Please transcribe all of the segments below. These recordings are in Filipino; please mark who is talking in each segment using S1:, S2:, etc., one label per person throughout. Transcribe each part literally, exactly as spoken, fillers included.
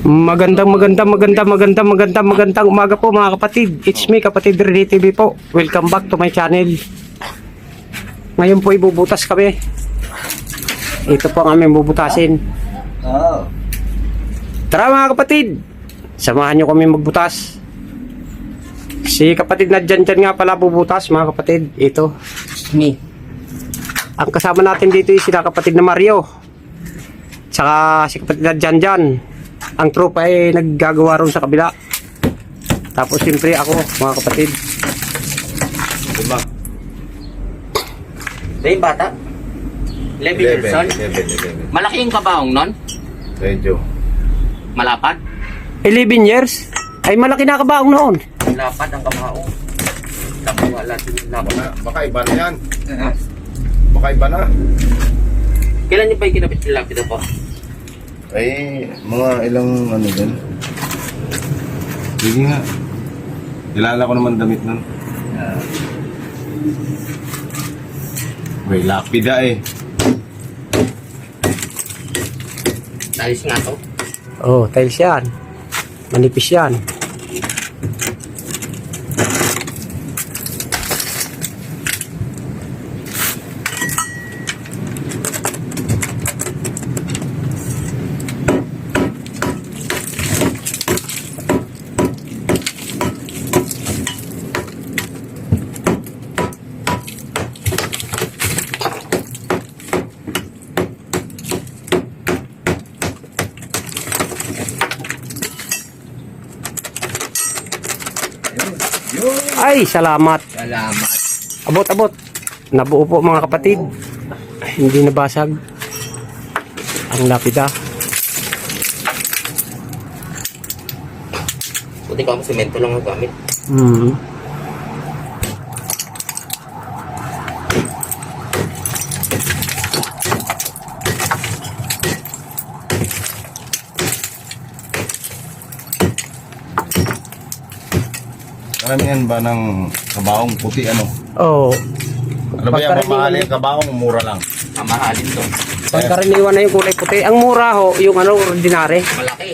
S1: Magandang magandang magandang magandang magandang magandang umaga po mga kapatid. It's me, Kapatid Rene T V po. Welcome back to my channel. Ngayon po ibubutas kami. Ito po ang aming bubutasin.
S2: Oo.
S1: Tara mga kapatid, samahan nyo kami magbutas. Si kapatid na dyan dyan nga pala bubutas mga kapatid. Ito, me. Ang kasama natin dito is sila kapatid na Mario, tsaka si kapatid na dyan dyan. Ang tropa ay naggagawa ron sa kabila. Tapos siyempre ako mga kapatid.
S2: Diba?
S3: Ito yung bata? eleven years old?
S2: eleven, eleven.
S3: Malaki yung kabaong nun?
S2: Medyo.
S3: Malapad?
S1: eleven years? Ay malaki na kabaong noon.
S3: Malapad ang kabaong. Nakuha natin yung lapad.
S2: Baka, baka iba na yan. Baka iba na.
S3: Kailan niyo pa yung kinapit yung lapid po?
S2: Ay, mga ilang ano din. Sige nga. Kilala ko naman damit nun. Uh, May lapida eh.
S3: Alis nga to.
S1: Oh, tiles yan. Manipis yan. Ay, salamat.
S3: Salamat.
S1: Abot, abot. Nabuo po mga kapatid. Hindi nabasag ang lapida.
S3: Buti ka mo semento lang ang gamit.
S1: Hmm.
S2: Karamihan ba ng kabaong puti ano?
S1: Oh,
S2: Ano ba yan?
S1: Pagkaraniwan
S2: Mamahalin
S1: yun.
S2: kabaong, mura lang.
S3: Mamahalin to.
S1: pagkaraniwan na yung kulay puti. Ang mura ho, yung ano, ordinary.
S3: Malaki.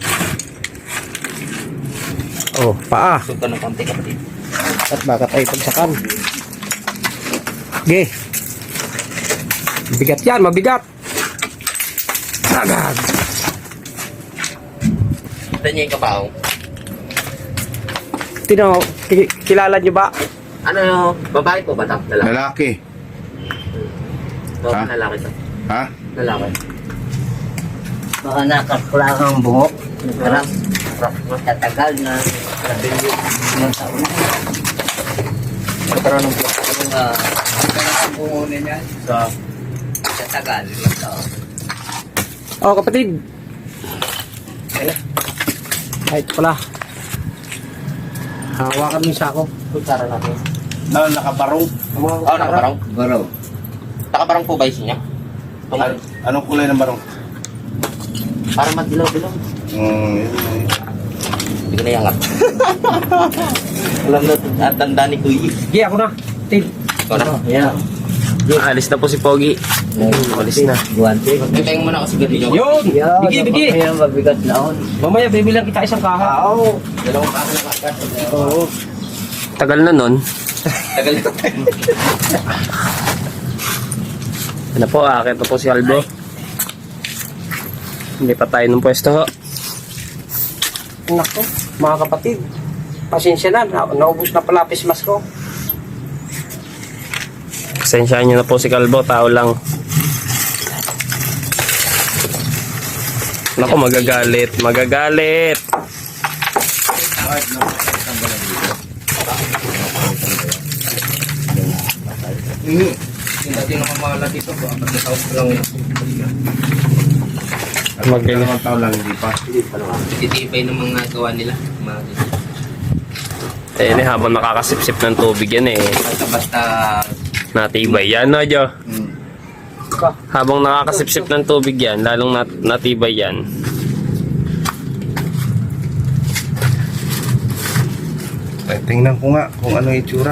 S1: Oh, paa.
S3: Suot ka ng konti kapatid.
S1: At baka tayo pagsakan. Okay. Mabigat yan, mabigat. Agad.
S3: Ito niya yung kabaong.
S1: Tino, ki- kilala nyo ba?
S3: Ano, babae po ba ito? Lalaki.
S2: Lalaki.
S3: Oo,
S2: Ha?
S3: lalaki to.
S2: Ha?
S3: Lalaki.
S4: Baka nakaklang ang buhok. Nagkarap. Matatagal na ilang taon na.
S2: Magkaroon ng
S4: Kung uh, ang buhok na niya,
S2: sa...
S4: tatagal ilang taon.
S1: Oh, kapatid. Ay, ito pala. Hawakan mo yung sako.
S3: Kutsara natin.
S2: Na, nakabarong.
S3: Oo, oh, nakabarong.
S4: Baraw.
S3: Nakabarong po ba yung niya?
S2: An anong kulay ng barong?
S3: Para magdilaw-dilaw.
S2: Hmm, yun na yun.
S3: Hindi ko na yangat. Alam na, at tanda ni Kuya.
S1: Sige, ako na. Tid.
S3: Ikaw na.
S4: Yeah.
S1: Alis na po si Pogi. Alis na.
S4: Guwante.
S3: Magpipayang mo na kasi ganito.
S1: Yun! Bigi, bigi!
S4: Kaya mabigat na on.
S1: Mamaya, bibilang kita isang kaha. Oo.
S3: Dalawang kaso na kakad.
S1: Oo. Tagal na nun.
S3: Tagal na.
S1: Ano po, akit na po si Albo. Hindi pa tayo ng pwesto ho. Nako, mga kapatid. Pasensya na, na naubos na pala pismas ko. Pasensyaan nyo na po si Kalbo, tao lang. Nako, magagalit, magagalit.
S2: Hmm.
S3: Hindi naman mga dito po. Pagkatawag ko lang yun.
S2: Magkailan naman taon lang, hindi pa.
S3: Titipay ng mga gawa nila. Mga
S1: Eh, ini habang nakakasipsip ng tubig yan eh.
S3: basta-basta
S1: Natibay yan, no, Jo?
S2: Hmm.
S1: Habang nakakasipsip ng tubig yan, lalong nat natibay yan.
S2: Ay, tingnan ko nga kung ano yung itsura.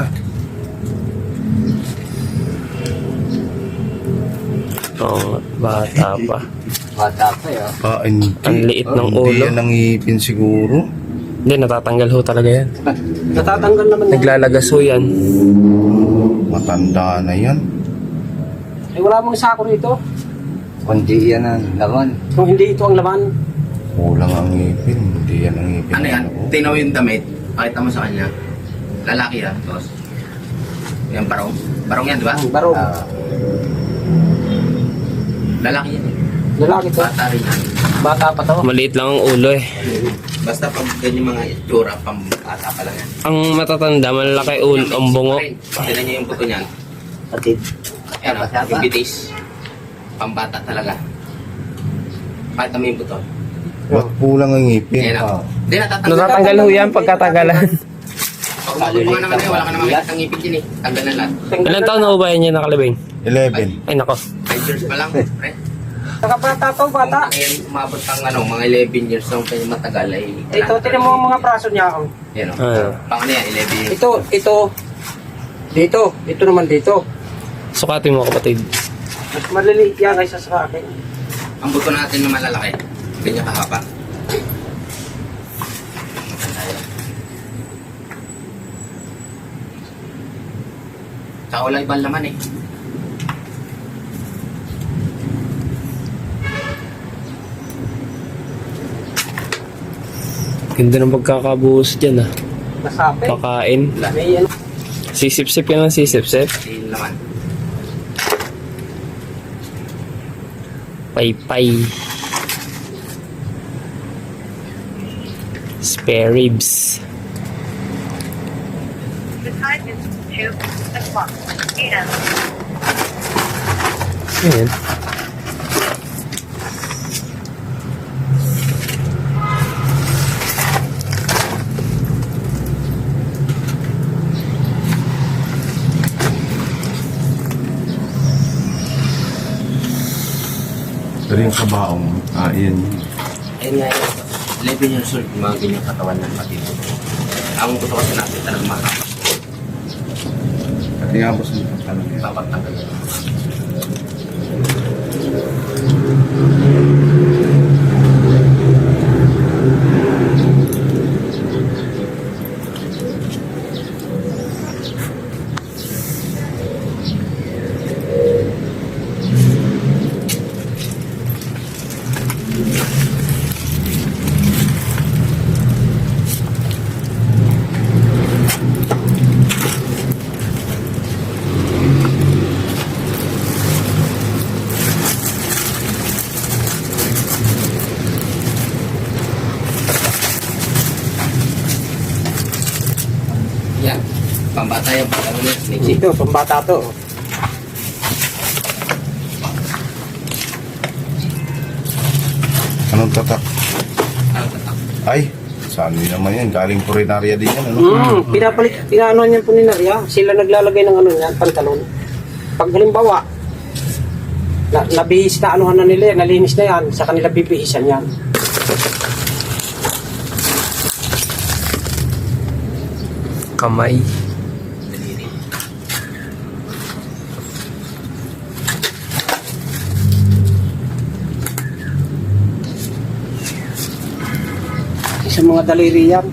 S1: Oo, bata pa.
S4: Bata pa yun.
S2: Ah, hindi.
S1: Ang liit ng
S2: Hindi
S1: ulo.
S2: yan ang ngipin siguro.
S1: Hindi, natatanggal ho talaga yan.
S3: Natatanggal naman na.
S1: Naglalagas ho yan.
S2: Matanda na yan.
S3: Eh, wala mong sako rito.
S4: Kundi yan ang laman.
S3: Kung hindi ito ang laman.
S2: Kulang ang ngipin. Hindi yan ang ngipin.
S5: Ano yan? Tinaw yung damit. Pakita mo sa kanya. Lalaki yan, boss. Yan, barong. Barong yan, di ba?
S3: Ang barog.
S4: Ah,
S5: Lalaki yan. eh.
S3: Lalaki to.
S5: Bata rin yan.
S3: Bata pa to.
S1: Maliit lang ang ulo eh.
S5: Basta pag ganyan mga itsura, pang bata pa lang yan.
S1: Ang matatanda, malaki ulo, ang bungo.
S5: Tignan niyo yung buto niyan.
S4: Patid.
S5: Yan, oh,
S4: Sapa-sapa.
S5: yung bitis. Pambata talaga. Pakita mo yung buto.
S2: Ba't kulang ang ngipin?
S5: Yan,
S4: Oh.
S5: oh. Hindi, natatanggal.
S1: Natatanggal ho yan pagkatagalan.
S5: Pag mabubuha naman eh, wala ka naman makikita ng ngipin din eh. Tanggal na lahat.
S1: Ilan taon na ho ba yan niya nakalibing?
S2: eleven.
S1: Ay nako.
S5: five years pa lang, pre.
S3: Saka bata to,
S5: Kung
S3: bata.
S5: ngayon umabot ng ano, mga eleven years nung kanya matagal ay...
S3: Ito, tinan mo ang mga braso niya. Oh.
S5: Yan, oh.
S1: Ah.
S5: Pang ano yan, eleven years.
S3: Ito, ito. Dito. Ito naman dito.
S1: Sukatin mo kapatid.
S3: Mas maliliit yan kaysa sa akin.
S5: Ang buto natin na malalaki, ganyan kahaba. Tsaka wala ibang laman eh.
S1: Ganda ng pagkakabuhos dyan ah.
S3: Nasapi.
S1: Pakain.
S3: May ano.
S1: Sisip-sip yan ang sisip-sip.
S5: Hindi yung laman.
S1: Pay-pay. Spare ribs.
S6: The time is two o'clock p m.
S1: Ayan.
S2: Pero yung kabaong, ah, yan.
S5: Ayun nga yun. eleven years old, yung mga ganyang katawan ng patito. Ang buto kasi natin talagang mahaba.
S2: At nga boss, ano talaga yan.
S5: Papagtanggal yun. Yan. Pambata yung pagkano niya. Next
S3: Ito, pambata to.
S2: Anong tatak?
S5: Ano tatak?
S2: Ay, saan yun naman yan? Galing purinarya din yan, ano?
S3: Hmm, pinapalit, pinaano niyan po ni Naria. Sila naglalagay ng ano niyan, pantalon. Pag halimbawa, na, nabihis na anuhan na nila yan, nalinis na yan, sa kanila bibihisan yan.
S1: Kamay.
S5: Daliri.
S3: Sa mga daliri yan.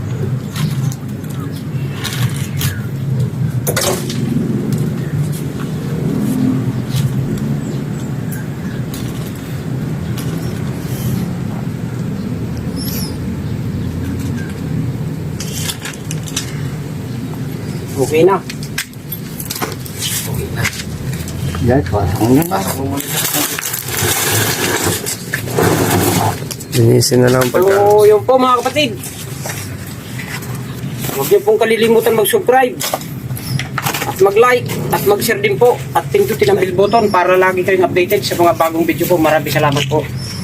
S3: Okay na.
S5: Okay na.
S4: Yan, pasang yan.
S5: Pasok mo muna sa
S1: Linisin na lang ang pagka.
S3: So, yun po mga kapatid. Huwag niyo pong kalilimutan mag-subscribe at mag-like at mag-share din po at pindutin ang bell button para lagi kayong updated sa mga bagong video po. Maraming salamat po.